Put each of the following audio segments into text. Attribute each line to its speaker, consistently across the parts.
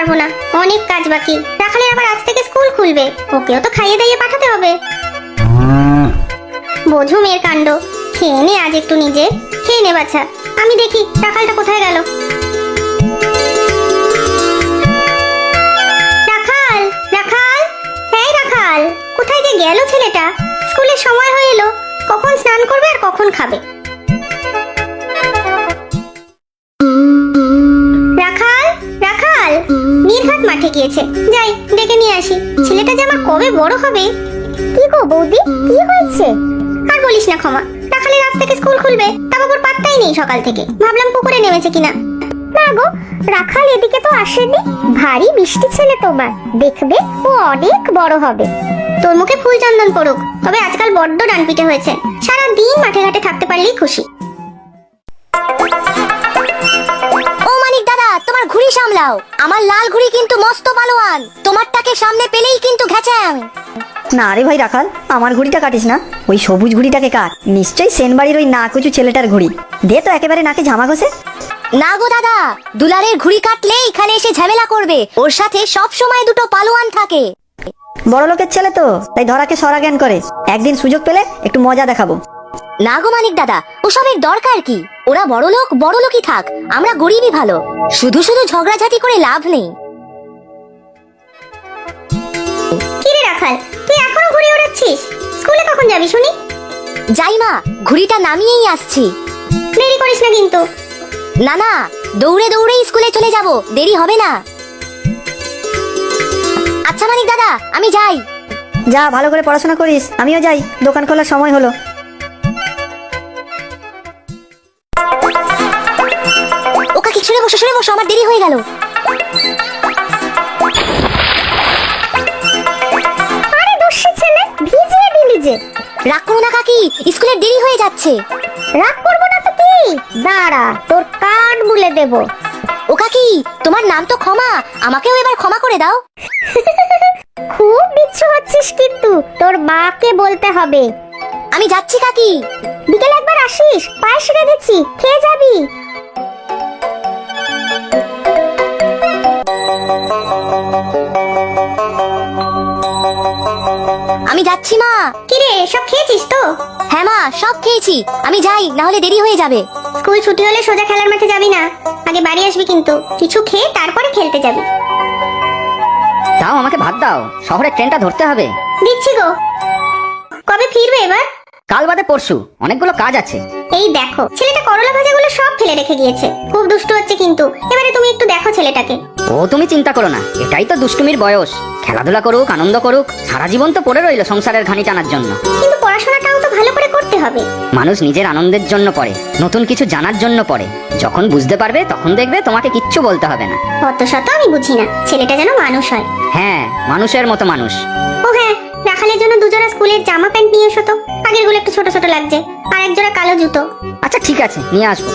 Speaker 1: পারবো না, অনেক কাজ বাকি। রাখালের আবার আজ থেকে স্কুল খুলবে, ওকেও তো খাইয়ে দাইয়ে পাঠাতে হবে। বোঝো মেয়ের কাণ্ড। খেয়ে নে আজ একটু নিজে, খেয়ে নে বাছা। আমি দেখি রাখালটা কোথায় গেল। রাখাল, রাখাল, এই রাখাল, কোথায় যে গেল ছেলেটা? স্কুলের সময় হয়ে এলো, কখন স্নান করবে আর কখন খাবে? রাখাল, রাখাল, নির্ঘাত মাঠে গিয়েছে, যাই ডেকে নিয়ে আসি। ছেলেটা যে আমার কবে বড় হবে। কি গো বৌদি, কি হয়েছে? আর বলিস না ক্ষমা, রাখালের আজ থেকে স্কুল খুলবে, তা বাবুর পাত্তাই নেই সকাল থেকে। ভাবলাম পুকুরে নেমেছে কিনা। না গো, রাখাল এদিকে তো আসেনি। ভারী মিষ্টি ছেলে তোমার, দেখবে ও অনেক বড় হবে। তোর মুখে ফুল চন্দন পড়ুক, তবে আজকাল বড্ড ডানপিটে হয়েছে। সারা দিন মাঠে ঘাটে থাকতে পারলেই খুশি।
Speaker 2: ও মানিক দাদা, তোমার ঘুড়ি সামলাও। আমার লাল ঘুড়ি কিন্তু মস্ত পালোয়ান, তোমারটাকে সামনে পেলেই কিন্তু ঘ্যাচাং।
Speaker 3: না রে ভাই রাখাল, আমার ঘুড়িটা কাটিস না, ওই সবুজ ঘুড়িটাকে কাট। নিশ্চয়ই সেনবাড়ির ওই নাকুচু ছেলেটার ঘুড়ি। দে তো একেবারে নাকে ঝামা ঘষে।
Speaker 2: না গো দাদা, দুলারের ঘুড়ি কাটলে এখানে এসে ঝামেলা করবে। ওর সাথে সব সময় দুটো পালোয়ান থাকে।
Speaker 3: বড় লোকের ছেলে তো, তাই ধরাকে সরা জ্ঞান করে। একদিন সুযোগ পেলে একটু মজা দেখাবো।
Speaker 2: না গো মানিক দাদা, ওসবের দরকার কি? ওরা বড় লোকই থাক, আমরা গরিবই ভালো। শুধু শুধু ঝগড়াঝাটি করে লাভ নেই।
Speaker 1: কি রে রাখাল, তুই এখনো ঘুড়ি ওড়াচ্ছিস? স্কুলে কখন যাবি শুনি?
Speaker 2: যাই মা, ঘুড়িটা নামিয়েই আসছি।
Speaker 1: দেরি করিস না কিন্তু।
Speaker 2: না না, দৌড়ে দৌড়েই স্কুলে চলে যাব, দেরি হবে না। আচ্ছা মানিক দাদা, আমি যাই।
Speaker 3: যা, ভালো করে পড়াশোনা করিস, আমিও যাই, দোকান খোলার সময় হলো।
Speaker 2: ও কাকি, সরে বসো সরে বসো, আমার দেরি হয়ে গেল।
Speaker 1: আরে দস্যি ছেলে, ভিজিয়ে দিলি যে।
Speaker 2: রাগ করো না কাকি, স্কুলের দেরি হয়ে যাচ্ছে।
Speaker 1: রাগ করবো না তো কি, দাঁড়া তোর কান মুলে দেব।
Speaker 2: ও কাকি, তোমার নাম তো ক্ষমা, আমাকেও এবার ক্ষমা করে দাও।
Speaker 1: খুব বিচ্ছু হচ্ছিস কিন্তু, তোর মাকে বলতে হবে।
Speaker 2: আমি যাচ্ছি কাকি।
Speaker 1: বিকেলে একবার আসিস, পায়েস রেঁধেছি, খেয়ে যাবি।
Speaker 2: আমি যাচ্ছি মা।
Speaker 1: কিরে, সব খেয়েছিস তো?
Speaker 2: হ্যাঁ মা, সব খেয়েছি। আমি যাই, না হলে দেরি হয়ে যাবে।
Speaker 1: স্কুল ছুটি হলে সোজা খেলার মাঠে যাবি না, আগে বাড়ি আসবি কিন্তু। কিছু খেয়ে তারপরে খেলতে যাবি।
Speaker 4: দাও, আমাকে ভাত দাও, শহরে ট্রেনটা ধরতে হবে।
Speaker 1: দিচ্ছি গো। কবে ফিরবে এবার?
Speaker 4: কাল বাদে পরশু, অনেকগুলো কাজ আছে।
Speaker 1: এই দেখো, ছেলেটা করলা ভাজাগুলো সব ফেলে রেখে গিয়েছে। খুব দুষ্টু হচ্ছে কিন্তু, এবারে তুমি একটু দেখো ছেলেটাকে।
Speaker 4: ও তুমি চিন্তা করো না, এটাই তো দুষ্টুমির বয়স। খেলাধুলা করুক, আনন্দ করুক। সারা জীবন তো পড়ে রইল সংসারের ঘানি টানার জন্য।
Speaker 1: কিন্তু পড়াশোনাটাও তো ভালো করে করতে হবে।
Speaker 4: মানুষ নিজের আনন্দের জন্য পড়ে, নতুন কিছু জানার জন্য পড়ে। যখন বুঝতে পারবে তখন দেখবে তোমাকে কিচ্ছু বলতে হবে না।
Speaker 1: অত শত আমি বুঝি না, ছেলেটা যেন মানুষ হয়।
Speaker 4: হ্যাঁ, মানুষের মতো মানুষ।
Speaker 1: ও হ্যাঁ, রাখালের জন্য দুজোড়া স্কুলের জামা প্যান্ট নিয়ে এসো তো। আগের গুলো একটু ছোট ছোট লাগছে, আর এক জোড়া কালো জুতো।
Speaker 4: আচ্ছা ঠিক আছে, নিয়ে আসবো।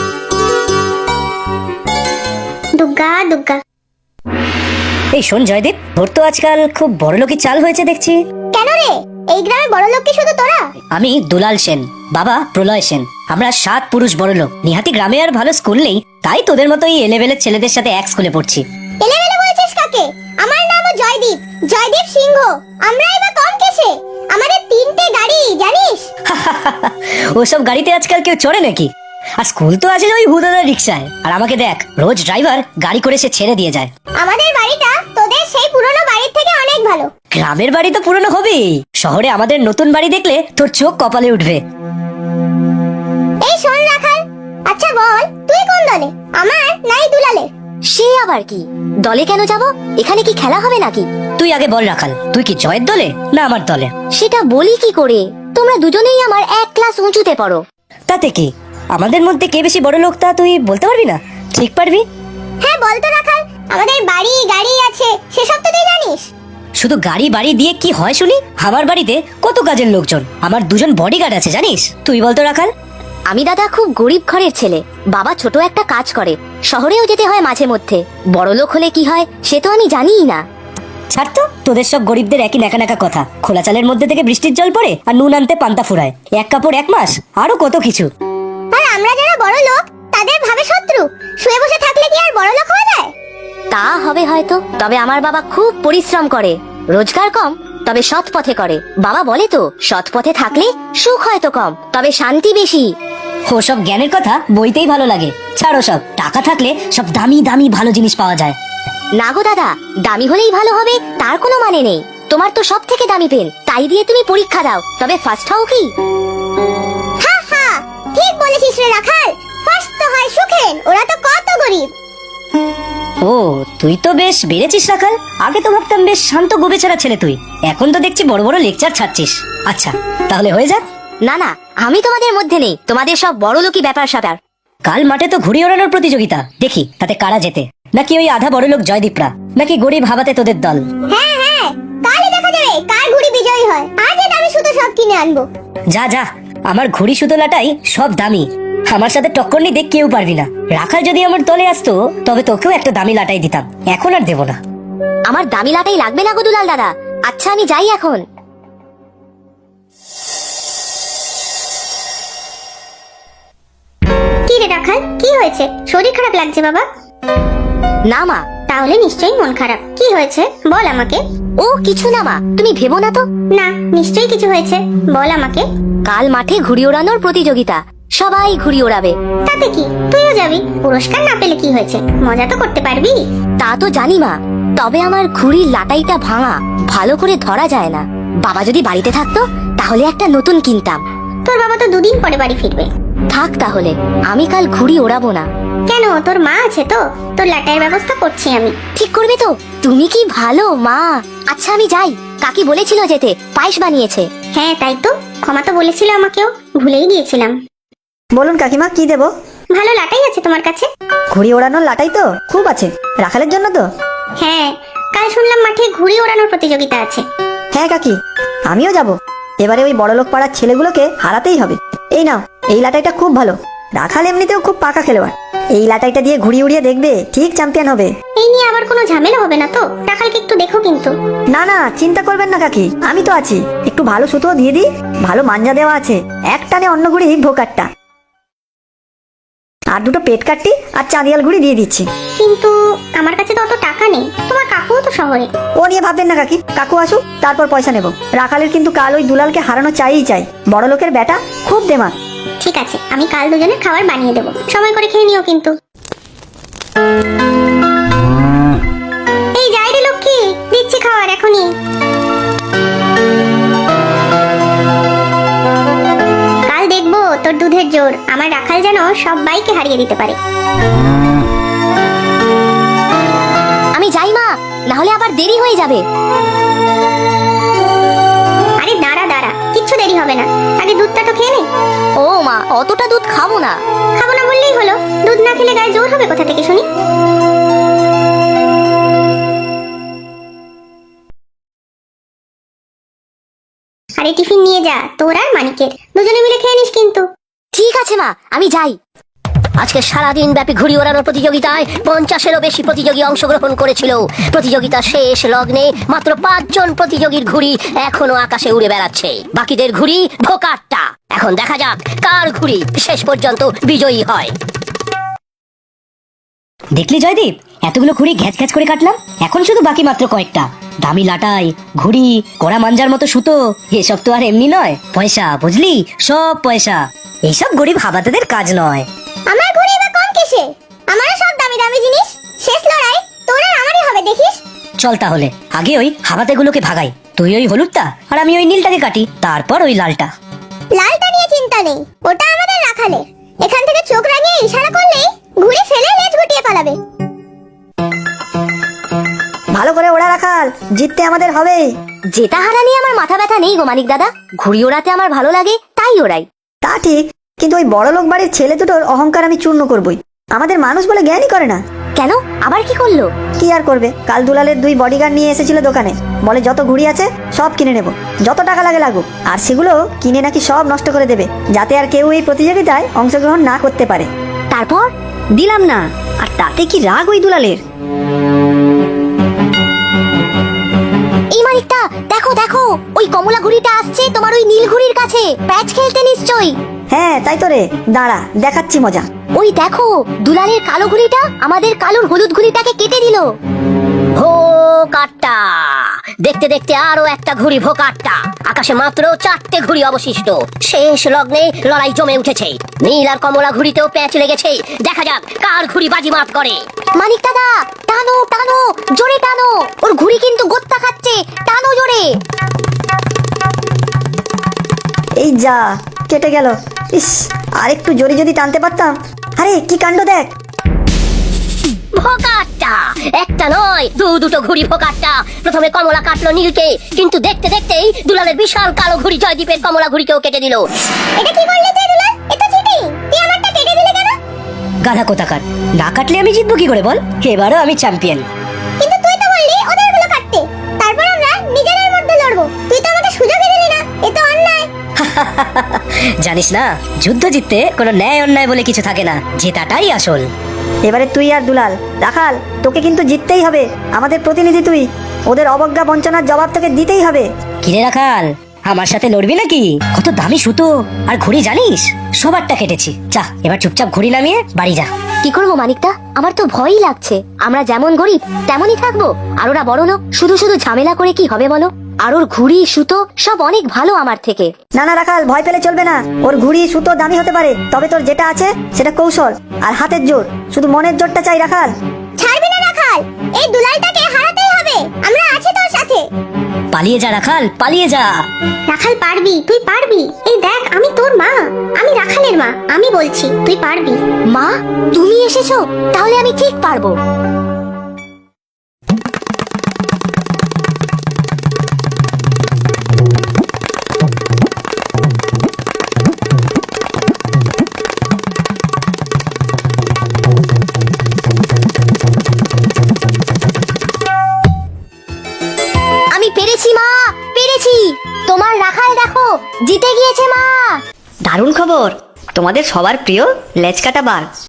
Speaker 1: দুগ্গা দুগ্গা।
Speaker 3: এই শোন জয়দীপ, তোর তো আজকাল খুব বড়লোকি চাল হয়েছে দেখছি।
Speaker 1: কেন রে, এই গ্রামে বড় লোক কি শুধু তোরা?
Speaker 3: আমি দুলাল সেন, বাবা প্রলয় সেন। আমরা 7 পুরুষ বড়লোক। নিহাতি গ্রামে আর ভালো স্কুল নেই, তাই তোদের মতো এই এলেবেলের ছেলেদের সাথে এক স্কুলে পড়ছি।
Speaker 1: এলেবেলে বলছিস কাকে? আমার নামও জয়দীপ, জয়দীপ সিংহ। আমরা এবার কম কেসে, আমাদের 3টে গাড়ি, জানিস?
Speaker 3: ওসব গাড়িতে আজকাল কেউ চড়ে নাকি? আর স্কুল তো আছে ওই হুদাদার রিক্সায়। আর আমাকে দেখ, রোজ ড্রাইভার গাড়ি করে সে ছেড়ে দিয়ে যায়।
Speaker 1: আমাদের বাড়িটা তোদের সেই পুরনো বাড়ির থেকে অনেক ভালো।
Speaker 3: গ্রামের বাড়ি তো পুরনো হবেই, শহরে আমাদের নতুন বাড়ি দেখলে তোর চোখ কপালে উঠবে।
Speaker 1: এই শোন রাখাল, আচ্ছা বল তুই কোন দলে, আমার নাই দুলালের?
Speaker 2: সে আবার কি? দলে কেন যাব? এখানে কি খেলা হবে নাকি?
Speaker 3: তুই আগে বল রাখাল, তুই কি জয়ের দলে না আমার দলে?
Speaker 2: সেটা বলি কি করে? তোমরা দুজনেই আমার 1 ক্লাস উঁচুতে পড়ো।
Speaker 3: তাতে কি, আমাদের মধ্যে কে বেশি বড় লোক তা তুই বলতে পারবি না? ঠিক পারবি?
Speaker 1: হ্যাঁ বল তো রাখাল, আমাদের বাড়ি গাড়ি আছে, সেসব তো তুই জানিস।
Speaker 3: শুধু গাড়ি বাড়ি দিয়ে কি হয় শুনি? আমার বাড়িতে কত কাজের লোকজন, আমার 2জন বডিগার্ড আছে জানিস? তুই বলতো রাখাল।
Speaker 2: আমি দাদা খুব গরিব ঘরের ছেলে। বাবা ছোট একটা কাজ করে, শহরেও যেতে হয় মাঝে মধ্যে। বড় লোক হলে কি হয় সে তো আমি জানিই না।
Speaker 3: ছাড় তো, তোদের সব গরিবদের একই নাকা নাকা কথা। খোলা চালের মধ্যে থেকে বৃষ্টির জল পড়ে আর নুন আনতে পান্তা ফুরায়, এক কাপড় 1 মাস, আরো কত কিছু।
Speaker 1: আর আমরা যারা বড় লোক তাদের ভাবে শত্রু। শুয়ে বসে থাকলে কি আর বড় লোক হওয়া যায়?
Speaker 2: তা হবে হয়তো, তবে আমার বাবা খুব পরিশ্রম করে, রোজগার কম তবে সৎ পথে করে। বাবা বলে তো, সৎ পথে থাকলে সুখ হয়তো কম তবে শান্তি বেশি।
Speaker 3: ওসব জ্ঞানের কথা বইতেই ভালো লাগে। ছাড়ো সব, টাকা থাকলে সব দামি দামি ভালো জিনিস পাওয়া যায়।
Speaker 2: না গো দাদা, দামি হলেই ভালো হবে তার কোনো মানে নেই। তোমার তো সব থেকে দামি পেন, তাই দিয়ে তুমি পরীক্ষা দাও, তবে ফার্স্ট হও কি?
Speaker 1: হা হা, ঠিক বলেছিস রে রাখাল, ফার্স্ট তো হয় সুখেন, ওরা তো কত গরিব।
Speaker 3: ও, তুই তো বেশ বেড়েছিস রাখাল। আগে তো ভাবতাম বেশ শান্ত গোবেচারা ছেলে তুই, এখন তো দেখছি বড় বড় লেকচার ছাড়ছিস। আচ্ছা, তাহলে হয়ে যাক।
Speaker 2: না না, আমি তোমাদের মধ্যে নেই, তোমাদের সব বড় লোকই ব্যাপার স্যাপার।
Speaker 3: কাল মাঠে তো ঘুড়ি ওড়ানোর প্রতিযোগিতা, দেখি তাতে কারা জেতে। নাকি ওই আধা বড় লোক জয়দীপরা, নাকি গরিব হাবাতে তোদের দল?
Speaker 1: হ্যাঁ হ্যাঁ, কালই দেখা যাবে কার ঘুড়ি বিজয়ী হয়। আজ আমি শুধু সব কিনে আনবো।
Speaker 3: যা যা, আমার ঘুড়ি সুতোলাটাই সব দামি, আমার সাথে টক্কর নিতে কেউ পারবি না। রাখাল যদি আমার দলে আসতো তবে তোকেও একটা দামি লাটাই দিতাম, এখন আর দেবো না।
Speaker 2: আমার দামি লাটাই লাগবে না গো দুলাল দাদা। আচ্ছা আমি যাই এখন।
Speaker 1: কি রে রাখাল, কি হয়েছে? শরীর খারাপ লাগছে বাবা?
Speaker 2: না মা।
Speaker 1: তাহলে নিশ্চয়ই মন খারাপ। কি হয়েছে বল আমাকে।
Speaker 2: ও কিছু না মা, তুমি ভেবো না তো।
Speaker 1: না, নিশ্চয়ই কিছু হয়েছে, বল আমাকে।
Speaker 2: কাল মাঠে ঘুড়ি ওড়ানোর প্রতিযোগিতা, সবাই ঘুড়ি ওড়াবে।
Speaker 1: তাতে কি, তুইও যাবি। পুরস্কার না পেলে কি হয়েছে, মজা তো করতে পারবি।
Speaker 2: তা তো জানি মা, তবে আমার ঘুড়ির লাটাইটা ভাঙা, ভালো করে ধরা যায় না। বাবা যদি বাড়িতে থাকতো তাহলে একটা নতুন কিনতাম।
Speaker 1: তোর বাবা তো দুদিন পরে বাড়ি ফিরবে।
Speaker 2: থাক তাহলে, আমি কাল ঘুড়ি ওড়াবো না।
Speaker 1: কেন, তোর মা আছে তো, তোর লাটাইয়ের ব্যবস্থা করছি আমি।
Speaker 2: ঠিক করবে তো? তুমি কি ভালো মা। আচ্ছা আমি যাই, কাকি বলেছিল যেতে, পায়েস বানিয়েছে।
Speaker 1: হ্যাঁ তাই তো, ক্ষমা তো বলেছিল আমাকেও, ভুলেই গিয়েছিলাম।
Speaker 5: বলুন কাকিমা, কি দেবো?
Speaker 1: ভালো লাটাই আছে তোমার কাছে?
Speaker 5: ঘুড়ি ওড়ানোর লাটাই তো খুব আছে, রাখালের জন্য তো।
Speaker 1: হ্যাঁ, কাল শুনলাম মাঠে ঘুড়ি ওড়ানোর প্রতিযোগিতা আছে।
Speaker 5: হ্যাঁ কাকি, আমিও যাব। এবারে ওই বড়লোক পাড়ার ছেলেগুলোকে হারাতেই হবে। এই নাও, এই লাটাইটা খুব ভালো। রাখাল এমনিতেও খুব পাকা খেলোয়াড়, এই লাটাইটা দিয়ে ঘুড়ি উড়িয়ে দেখবে, ঠিক চ্যাম্পিয়ন হবে।
Speaker 1: এই নিয়ে আবার কোনো ঝামেলা হবে না তো? রাখালকে একটু দেখো কিন্তু।
Speaker 5: না না, চিন্তা করবেন না কাকি, আমি তো আছি। একটু ভালো সুতো দিয়ে দিই, ভালো মাঞ্জা দেওয়া আছে, এক টানে অন্য ঘুড়ি ভোকারটা, আর দুটো পেট কাটটি আর চাঁদিয়াল ঘুড়ি দিয়ে দিচ্ছি।
Speaker 1: কিন্তু আমার কাছে তো অত টাকা নেই, তোমার কাকুও তো শহরে।
Speaker 5: ও নিয়ে ভাববেন না কাকি, কাকু আসুক তারপর পয়সা নেব। রাখালের কিন্তু কাল ওই দুলালকে হারানো চাই। বড় লোকের বেটা, খুব দেমাক।
Speaker 1: ঠিক আছে, আমি কাল দুজনের খাবার বানিয়ে দেবো, সময় করে খেয়ে নিও কিন্তু। এই যাই রে লক্ষ্মী, দিচ্ছি খাবার এখনই। কাল দেখবো তোর দুধের জোর, আমার রাখাল যেন সবাইকে হারিয়ে দিতে পারে।
Speaker 2: আমি যাই মা, না হলে আবার দেরি হয়ে যাবে।
Speaker 1: আরে দাঁড়া দাঁড়া, কিচ্ছু দেরি হবে না, আগে দুধটা তো খেয়ে নে।
Speaker 2: ও মা, অতটা দুধ খাবো না।
Speaker 1: খাবো না বললেই হলো, দুধ না খেলে গায়ে জোর হবে কোথা থেকে শুনি? আরে টিফিন নিয়ে যা, তোর আর মানিকের, দুজনে মিলে খেয়ে নিস কিন্তু।
Speaker 2: ঠিক আছে মা, আমি যাই।
Speaker 6: আজকে সারাদিন ব্যাপী ঘুড়ি ওড়ানোর প্রতিযোগিতায় 50-এরও বেশি প্রতিযোগী অংশগ্রহণ করেছিল। প্রতিযোগিতা শেষ লগ্নে মাত্র 5 জন প্রতিযোগীর ঘুড়ি এখনো আকাশে উড়ে বেড়াচ্ছে, বাকিদের ঘুড়ি ভোকাটটা। এখন দেখা যাক কার ঘুড়ি শেষ পর্যন্ত বিজয়ী হয়।
Speaker 3: দেখলি জয়দীপ, এতগুলো ঘুড়ি ঘ্যাচ ঘ্যাচ করে কাটলাম, এখন শুধু বাকি মাত্র কয়েকটা। দামি লাটাই, ঘুড়ি, কড়া মাঞ্জার মতো সুতো, এসব তো আর এমনি নয়, পয়সা, বুঝলি, সব পয়সা। এইসব গরিব হাবাতেদের কাজ নয়।
Speaker 1: আমার ঘুড়ি বা কম কিসে? আমারও সব দামি দামি জিনিস। শেষ লড়াই তোর আর আমারই হবে, দেখিস।
Speaker 3: চল তাহলে, আগে ওই হাবাতেগুলোকে ভাগাই। তুই ওই হলুদটা আর আমি ওই নীলটাকে কাটি, তারপর ওই লালটা।
Speaker 1: লালটা নিয়ে চিন্তা নেই, ওটা আমাদের রাখালে। এখান থেকে চোখ রাঙিয়ে ইশারা করলেই ঘুড়ি ফেলে লেজ গুটিয়ে পালাবে।
Speaker 5: ভালো করে ওড়া রাখাল, জিততে আমাদের হবেই।
Speaker 2: জেতা হারা নিয়ে আমার মাথা ব্যথা নেই গো মানিক দাদা, ঘুড়ি ওড়াতে আমার ভালো লাগে তাই ওড়াই।
Speaker 5: তা ঠিক, কিন্তু ওই বড়লোক বাড়ির ছেলে দুটোর অহংকার আমি চূর্ণ করবই। আমাদের মানুষ বলে জ্ঞানই করে না।
Speaker 2: কেন, আবার কি করলো?
Speaker 5: কি আর করবে, কাল দুলালের 2 বডিগার্ড নিয়ে এসেছিল দোকানে, বলে যত ঘুড়ি আছে সব কিনে নেব, যত টাকা লাগে লাগুক। আর সেগুলো কিনে নাকি সব নষ্ট করে দেবে, যাতে আর কেউ এই প্রতিযোগিতায় অংশগ্রহণ না করতে পারে।
Speaker 2: তারপর
Speaker 5: দিলাম না, আর তাতে কি রাগ ওই দুলালের।
Speaker 2: এই মানিকটা, দেখো দেখো, ওই কমলা ঘুড়িটা আসছে তোমার ওই নীল ঘুড়ির কাছে, প্যাচ খেলতে নিশ্চয়ই।
Speaker 5: হ্যাঁ তাই তো রে, দাঁড়া দেখাচ্ছি মজা।
Speaker 2: ওই দেখো দুলালের কালো ঘুড়িটা আমাদের কালোর হলুদ ঘুড়িটাকে কেটে দিল।
Speaker 6: হো কাট্টা, দেখতে দেখতে আরো একটা ঘুড়ি ভোকাট্টা। আকাশে মাত্র 4টে ঘুড়ি অবশিষ্ট। শেষ লগ্নে লড়াই জমে উঠেছে। নীল আর কমলা ঘুড়িতেও প্যাঁচ লেগেছে। দেখা যাক কার ঘুড়ি বাজিমাত করে।
Speaker 2: মানিক দাদা, টানো টানো, জোরে টানো, ওর ঘুড়ি কিন্তু গোত্তা খাচ্ছে, টানো জোরে।
Speaker 5: এই যা, কেটে গেল। ইস, আর একটু জোরে যদি টানতে পারতাম। আরে কি কাণ্ড দেখ।
Speaker 6: ভোকাট্টা, একটা নয় দুটো ঘুড়ি ভোকাট্টা। প্রথমে কমলা কাটলো নীলকে, কিন্তু দেখতে দেখতেই দুলালের বিশাল কালো ঘুড়ি জয়দীপের কমলা ঘুড়িকেও কেটে দিল।
Speaker 1: এটা কি করলি তুই দুলাল? এটা চিটিং। তুই আমারটা কেটে দিলে কেন?
Speaker 3: গাধা কোথাকার, না কাটলে আমি জিতবো কি করে বল? এবারও আমি চ্যাম্পিয়ন।
Speaker 1: কিন্তু তুই তো বললি ওদেরগুলো কাটতে, তারপর আমরা নিজেদের মধ্যে লড়বো। তুই তো আমাকে সুযোগই দিলি না, এ তো অন্যায়।
Speaker 3: জানিস না, যুদ্ধ জিততে কোনো ন্যায় অন্যায় বলে কিছু থাকে না, জেতাটাই আসল।
Speaker 5: এবারে তুই আর দুলাল, রাখাল তোকে কিন্তু জিততেই হবে। আমাদের প্রতিনিধি তুই, ওদের অবজ্ঞা বঞ্চনার জবাব তোকে দিতেই হবে।
Speaker 3: কিরে রাখাল, আমার সাথে লড়বি নাকি? কত দামি সুতো আর ঘুড়ি জানিস, সবারটা কেটেছি। যা, এবার চুপচাপ ঘুড়ি নামিয়ে বাড়ি যা।
Speaker 2: কি করবো মানিকদা, আমার তো ভয়ই লাগছে। আমরা যেমন গরিব তেমনই থাকবো, আর ওরা বড় লোক, শুধু শুধু ঝামেলা করে কি হবে বলো? আর ওর ঘুড়ি সুতো সব অনেক ভালো আমার থেকে।
Speaker 5: না না রাখাল, ভয় পেলে চলবে না। ওর ঘুড়ি সুতো দামি হতে পারে, তবে তোর যেটা আছে সেটা কৌশল আর হাতের জোর। শুধু মনের জোরটা চাই রাখাল।
Speaker 1: ছাড়বি না রাখাল, এই দুলালটাকে হারাতেই হবে। আমরা আছি তোর সাথে।
Speaker 3: পালিয়ে যা রাখাল, পালিয়ে যা।
Speaker 1: রাখাল পারবি, তুই পারবি। এই দেখ, আমি তোর মা, আমি রাখালের মা। আমি বলছি তুই পারবি।
Speaker 2: মা, তুমি এসেছো, তাহলে আমি ঠিক পারবো। আমি পেরেছি মা, পেরেছি। তোমার রাখাল দেখো, জিতে গিয়েছে মা।
Speaker 4: দারুণ খবর, তোমাদের সবার প্রিয় লেজকাটা বাঘ